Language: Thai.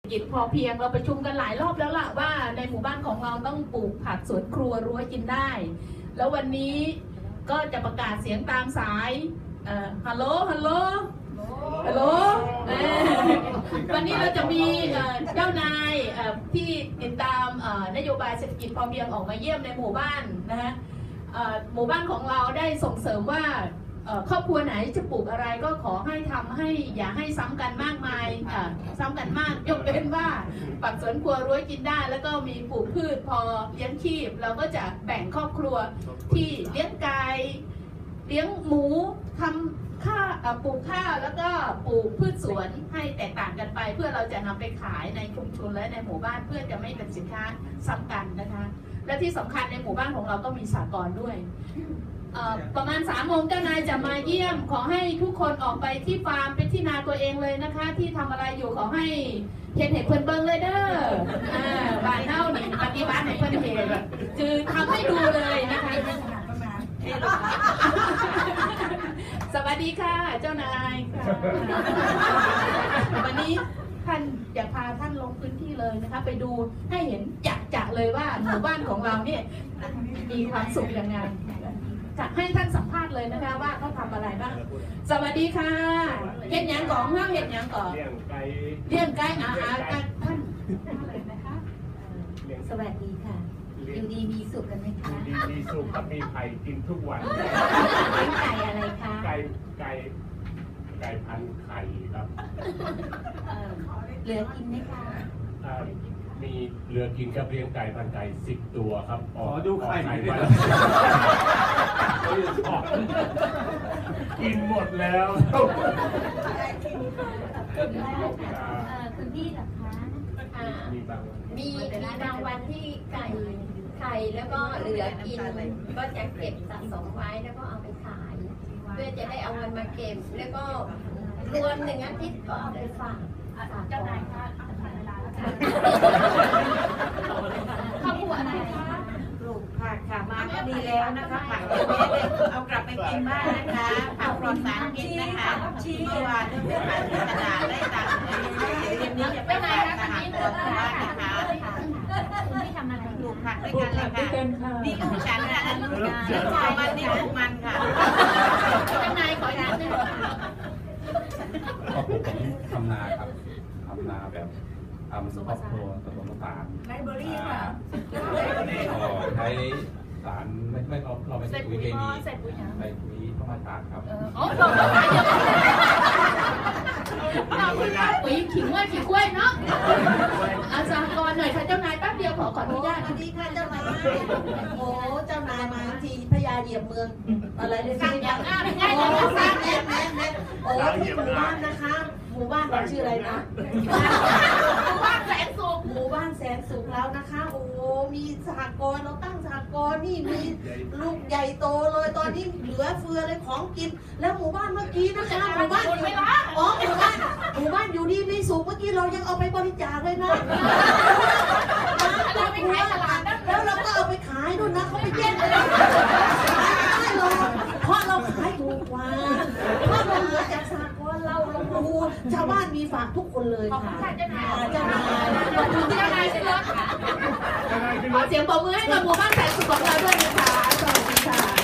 กิจพอเพียงเราประชุมกันหลายรอบแล้วล่ะว่าในหมู่บ้านของเราต้องปลูกผักสวนครัวรั้วกินได้ แล้ววันนี้ก็จะประกาศเสียงตามสายฮัลโหลฮัลโหลฮัลโหลวันนี้เราจะมีเจ้านายที่ติดตามนโยบายเศรษฐกิจพอเพียงออกมาเยี่ยมในหมู่บ้านนะฮะหมู่บ้านของเราได้ส่งเสริมว่าครอบครัวไหนจะปลูกอะไรก็ขอให้ทำให้อย่าให้ซ้ำกันมากมายซ้ำกันมากยกเว้นว่าปักสวนครัวรั้วกินได้แล้วก็มีปลูกพืชพอเลี้ยงชีพเราก็จะแบ่งครอบครัวที่เลี้ยงไก่เลี้ยงหมูทำปลูกข้าวแล้วก็ปลูกพืชสวนให้แตกต่างกันไปเพื่อเราจะนำไปขายในชุมชนและในหมู่บ้านเพื่อจะไม่เป็นสินค้าซ้ำกันนะคะและที่สำคัญในหมู่บ้านของเราก็มีสหกรณ์ด้วยประมาณ3 โมงเจ้านายจะมาเยี่ยมขอให้ทุกคนออกไปที่ฟาร์มเป็นที่นาตัวเองเลยนะคะที่ทำอะไรอยู่ขอให้เห็นเพื่อนเบิ้งเลยเด้อบ้านเน่านี่ปฏิบัติในเพื่อนเห็นคือทำให้ดูเลยนะคะสวัสดีค่ะเจ้านายค่ะวันนี้ท่านอยากพาท่านลงพื้นที่เลยนะคะไปดูให้เห็นจะเลยว่าหมู่บ้านของเราเนี่ยมีความสุขยังไงจะให้ท่านสัมภาษณ์เลยนะคะว่าเขาทำอะไรบ้างสวัสดีค่ะเห็นยังก่อนห้างเห็นยังก่อนเลี้ยงไก่อาหารท่านอะไรนะคะสวัสดีค่ะอยู่ดีมีสุขกันไหมคะดีมีสุขกับมีไข่กินทุกวันเลี้ยงไก่อะไรคะไก่พันไข่ครับเหลือกินไหมคะมีเหลือกินกับเลี้ยงไก่พันไก่10 ตัวครับขอดูไข่วันกินหมดแล้วคุณพี่เหรอคะมีบางวันที่ไข่แล้วก็เหลือกินก็จะเก็บสะสมไว้แล้วก็เอาไปขายเพื่อจะได้เอาเงินมาเก็บแล้วก็รวม1 อาทิตย์ก็เอาไปฝากเจ้านายคะเวลาแล้วค่ะข้าวผัวอะไรคะปลูกผักค่ะมาก็ดีแล้วนะคะผักเยอะแยะเลยเอากลับไปกินบ้านนะคะผักปลอดสารพิษนะคะเมื่อวานเพื่อนๆที่ตลาดได้ตังค์เย็นนี้จะไปทานอาหารปลอดสารนะคะคุณพี่ทำอะไรปลูกผักด้วยกันเลยค่ะนี่ลูกฉันนะลูกมันนี่ลูกมันค่ะเจ้านายขออนุญาตด้วยผมทำนาครับทำนาแบบทำครอบครัวผสมผสานไลบรารีค่ะใช้สารไม่เราไม่ใช้ปุ๋ยเคมีใส่ปุ๋ยธรรมชาติครับอ๋อปุ๋ยขิงว่าขิงกล้วยเนาะอาสากรหน่อยค่ะเจ้านายแป๊บเดียวขออนุญาตสวัสดีค่ะเจ้านายโอ้เจ้านายมาทีพญาเหยียบเมืองอะไรเลยสั่งอย่างง่ายง่ายโอ้สั่งแน่โอ้ที่หมู่บ้านนะคะหมู่บ้านเราชื่ออะไรนะหมู่บ้านแสนสุขหมู่บ้านแสนสุขแล้วนะคะโอ้มีสหกรณ์เราตั้งสหกรณ์นี่มีลูกใหญ่โตเลยตอนนี้เหลือเฟือเลยของกินแล้วหมู่บ้านเมื่อกี้นะคะหมู่บ้านอยู่อ๋อหมู่บ้านอยู่ดีมีสุขเมื่อกี้เรายังเอาไปบริจาคเลยนะเราไปขายตลาดนั่นแล้วเราก็เอาไปขายด้วยนะเขาไปแย่งเลยไม่หรอกเพราะเราขายถูกกว่าเพราะเราเหลือจากสหกรณ์เราดูชาวบ้านมีฝากทุกคนเลยค่ะเจ้านายเจ้านายขอบคุณเจ้านายที่รักค่ะขอเสียงปรบมือให้กับหมู่บ้านแสนสุขของเราด้วยนะคะสวัสดีค่ะ